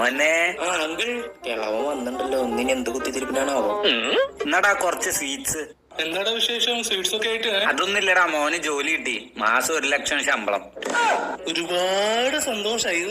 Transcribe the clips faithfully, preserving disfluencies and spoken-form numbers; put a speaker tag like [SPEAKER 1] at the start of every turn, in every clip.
[SPEAKER 1] മോനെ
[SPEAKER 2] ആ അങ്കിൾ കിളവൻ വന്നിട്ടുണ്ടല്ലോ. ഒന്നിന് എന്ത് കുത്തിത്തിരിപ്പിനാണാവോ?
[SPEAKER 1] എന്നാടാ കുറച്ച് സ്വീറ്റ്സ്.
[SPEAKER 2] എന്താടാ വിശേഷം? സ്വീറ്റ്സ് ഒക്കെ ആയിട്ട്?
[SPEAKER 1] അതൊന്നുമില്ലടാ, മോന് ജോലി കിട്ടി. മാസം ഒരു ലക്ഷം ശമ്പളം.
[SPEAKER 2] ഒരുപാട് സന്തോഷായി.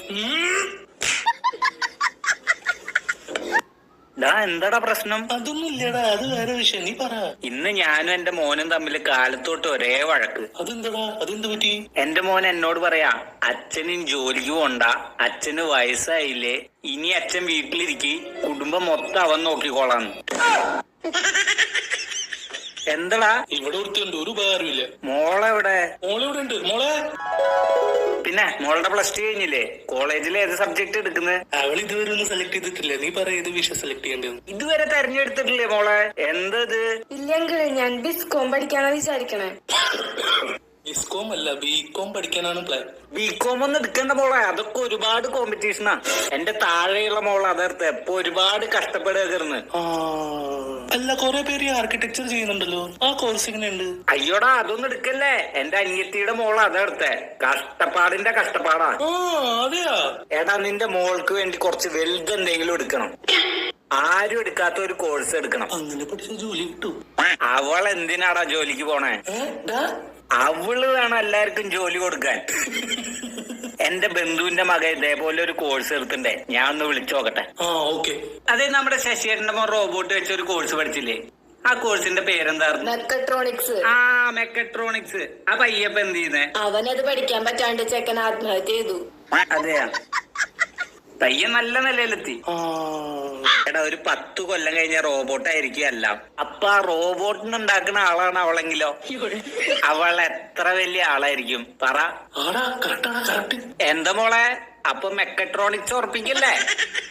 [SPEAKER 1] എന്താടാ പ്രശ്നം?
[SPEAKER 2] അതൊന്നും ഇല്ലടാ, അത് വേറെ വിഷയം. നീ പറ.
[SPEAKER 1] ഇന്ന് ഞാനും എന്റെ മോനും തമ്മിൽ കാലത്തോട്ട് ഒരേ വഴക്ക്.
[SPEAKER 2] അതെന്താടാ? അതെന്ത് പറ്റി?
[SPEAKER 1] എന്റെ മോൻ എന്നോട് പറയാ, അച്ഛനും ജോലിക്ക് പോണ്ട, അച്ഛന് വയസ്സായില്ലേ, ഇനി അച്ഛൻ വീട്ടിലിരിക്കി, കുടുംബം മൊത്തം അവൻ നോക്കിക്കോളാന്ന്. എന്താടാ?
[SPEAKER 2] ഇവിടെ ഒരുത്തുണ്ട്, ഒരു ഉപകാരമില്ല.
[SPEAKER 1] മോളെവിടെ?
[SPEAKER 2] മോളിവിടെ ഉണ്ട്. മോളെ
[SPEAKER 1] പിന്നെ മോളുടെ പ്ലസ് ടു കഴിഞ്ഞില്ലേ? കോളേജിൽ ഏത് സബ്ജക്ട് എടുക്കുന്നത്?
[SPEAKER 2] അവൾ ഇതുവരെ ഒന്നും സെലക്ട് ചെയ്തിട്ടില്ല. നീ പറ, ഏത് വിഷയം സെലക്ട് ചെയ്യേണ്ടത്?
[SPEAKER 1] ഇതുവരെ തെരഞ്ഞെടുത്തിട്ടില്ലേ മോളെ? എന്തത്?
[SPEAKER 3] ഇല്ലെങ്കിൽ ഞാൻ ബിസ്കോം പഠിക്കാനാ വിചാരിക്കണേ.
[SPEAKER 2] ബിസ്കോം അല്ല, ബികോം പഠിക്കാനാണ് പ്ലാൻ.
[SPEAKER 1] ബികോം ഒന്നും എടുക്കണ്ട മോളെ, അതൊക്കെ ഒരുപാട് കോമ്പറ്റീഷനാ. എന്റെ താഴെയുള്ള മോളെ അതെടുത്ത് എപ്പൊ ഒരുപാട് കഷ്ടപ്പെടുകയായിരുന്നു.
[SPEAKER 2] അല്ല, കൊറേ പേര് ആർക്കിടെക്ചർ ചെയ്യുന്നുണ്ടല്ലോ, ആ കോഴ്സ് എങ്ങനെയുണ്ട്?
[SPEAKER 1] അയ്യോടാ, അതൊന്നും എടുക്കല്ലേ. എന്റെ അനിയത്തിയുടെ മോള് അതെടുത്തെ. കഷ്ടപ്പാടിന്റെ കഷ്ടപ്പാടാ.
[SPEAKER 2] അതെയാ?
[SPEAKER 1] എടാ, നിന്റെ മോൾക്ക് വേണ്ടി കുറച്ച് വലുത് എന്തെങ്കിലും എടുക്കണം. ആരും എടുക്കാത്ത ഒരു കോഴ്സ് എടുക്കണം.
[SPEAKER 2] അങ്ങനെ പഠിച്ച ജോലി കിട്ടും.
[SPEAKER 1] അവൾ എന്തിനാടാ ജോലിക്ക് പോണേ? അവള് വേണം എല്ലാവർക്കും ജോലി കൊടുക്കാൻ. എന്റെ ബന്ധുവിന്റെ മകൻ ഇതേപോലെ ഒരു കോഴ്സ് എടുത്തിണ്ടേ, ഞാൻ ഒന്ന് വിളിച്ചു നോക്കട്ടെ. അതെ, നമ്മുടെ ശശിയേട്ടന്റെ മോൻ റോബോട്ട് വെച്ച ഒരു കോഴ്സ് പഠിച്ചില്ലേ? ആ കോഴ്സിന്റെ പേരെന്തായിരുന്നു?
[SPEAKER 3] മെക്കട്രോണിക്സ്.
[SPEAKER 1] ആ മെക്കട്രോണിക്സ്. ആ പയ്യപ്പ എന്ത് ചെയ്യുന്നേ?
[SPEAKER 3] അവനത് പഠിക്കാൻ പറ്റാണ്ട് ചെക്കൻ ആത്മഹത്യ ചെയ്തു.
[SPEAKER 1] അതെയാ? പയ്യൻ നല്ല നിലയിലെത്തി. എടാ, ഒരു പത്ത് കൊല്ലം കഴിഞ്ഞ റോബോട്ട് ആയിരിക്കും എല്ലാം. അപ്പൊ ആ റോബോട്ടിന് ഉണ്ടാക്കുന്ന ആളാണ് അവളെങ്കിലോ? അവൾ എത്ര വലിയ ആളായിരിക്കും പറ. എന്താ മോളെ, അപ്പൊ മെക്കട്രോണിക്സ് ഉറപ്പിക്കല്ലേ?